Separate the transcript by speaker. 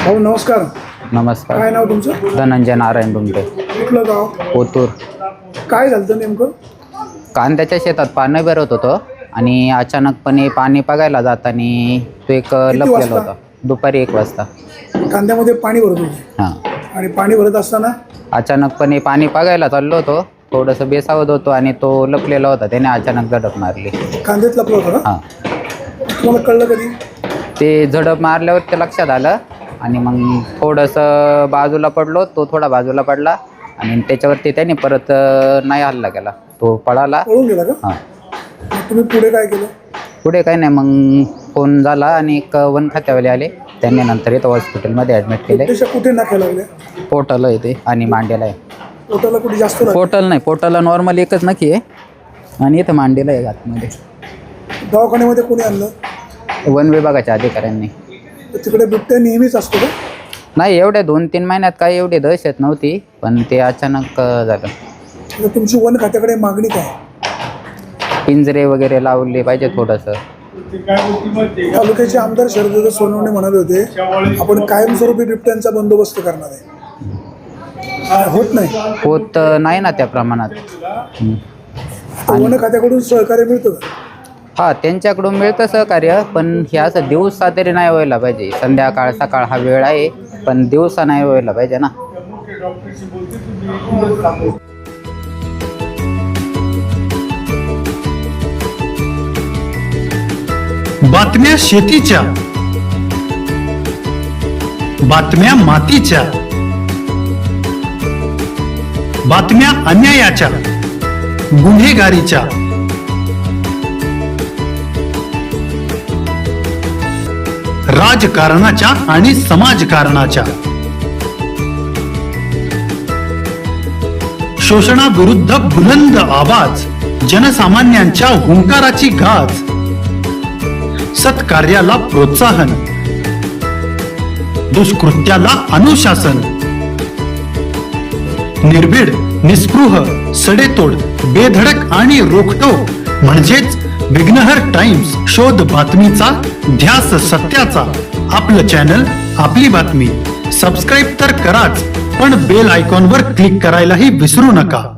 Speaker 1: भाऊ नमस्कार.
Speaker 2: नमस्कार.
Speaker 1: काय नाव तुमचं?
Speaker 2: धनंजय नारायण डुमटे.
Speaker 1: कुठलं गाव?
Speaker 2: ओतूर.
Speaker 1: काय झालं नेमकं?
Speaker 2: कांद्याच्या शेतात पाणी भरत होतं आणि अचानकपणे पाणी बघायला जाताना तो एक लपलेला
Speaker 1: वाजता?
Speaker 2: होता. दुपारी 1 वाजता.
Speaker 1: कांद्यामध्ये पाणी भरत होते
Speaker 2: हां.
Speaker 1: आणि पाणी भरत असताना
Speaker 2: अचानकपणे पाणी बघायला चाललो होतो. थोडंसं बेसावत होतो आणि तो लपलेला होता. त्याने अचानक झडप मारली.
Speaker 1: कांद्यात लपलं होतं का?
Speaker 2: हां.
Speaker 1: तुम्हाला कळलं कधी?
Speaker 2: ते झडप मारल्यावर ते लक्षात आलं आणि मग थोडंसं बाजूला पडलो. तो थोडा बाजूला पडला आणि त्याच्यावरती त्याने परत नाही हल्ला केला. तो पळाला.
Speaker 1: पळून गेला का?
Speaker 2: हां.
Speaker 1: मग तुम्ही पुढे काय केलं?
Speaker 2: पुढे काही नाही, मग फोन झाला आणि एक वन खात्यावाले आले. त्यांनी नंतर इथं हॉस्पिटलमध्ये ॲडमिट केले.
Speaker 1: देशा कुठे नाक्या लागल्या?
Speaker 2: पोर्टल आहे ते आणि मांडेला आहे.
Speaker 1: पोटाला कुठे जास्त लागलं?
Speaker 2: पोर्टल नाही, पोर्टलला नॉर्मल एकच नक्की आहे आणि इथं मांडेला आहे आतमध्ये.
Speaker 1: दवाखान्यामध्ये कोणी आणलं?
Speaker 2: वन विभागाच्या अधिकाऱ्यांनी.
Speaker 1: तर तिकडे बिबट्या नेहमीच असतो का?
Speaker 2: नाही, एवढ्या 2-3 महिन्यात काही एवढी दहशत नव्हती, पण ते अचानक झालं.
Speaker 1: तर तुमची वन खात्याकडे मागणी काय?
Speaker 2: पिंजरे वगैरे लावले पाहिजे थोडंसं.
Speaker 1: तालुक्याचे आमदार शरद सोनवणे म्हणाले होते आपण कायमस्वरूपी बिबट्यांचा बंदोबस्त करणार आहे. होत नाही.
Speaker 2: होत नाही ना त्या प्रमाणात.
Speaker 1: वन खात्याकडून सहकार्य मिळतं का?
Speaker 2: हां, त्यांच्याकडून मिळतं सहकार्य, पण हे असं दिवसा तरी नाही व्हायला पाहिजे. संध्याकाळ सकाळ हा वेळ आहे, पण दिवसा नाही व्हायला पाहिजे ना.
Speaker 3: बातम्या शेतीच्या, बातम्या मातीच्या, बातम्या अन्यायाच्या, गुन्हेगारीच्या, राजकारणाच्या आणि समाजकारणाच्या, शोषणाविरुद्ध बुलंद आवाज, जनसामान्यांच्या हुंकाराची गाज, सत्कार्याला प्रोत्साहन, दुष्कृत्याला अनुशासन, निर्भीड, निस्पृह, सडेतोड, बेधडक आणि रोखटोक म्हणजेच विघ्नहर टाइम्स. शोध बातमीचा, ध्यास सत्याचा. आपलं चॅनल, आपली बातमी. सबस्क्राईब तर कराच, पण बेल आयकॉनवर क्लिक करायलाही विसरू नका.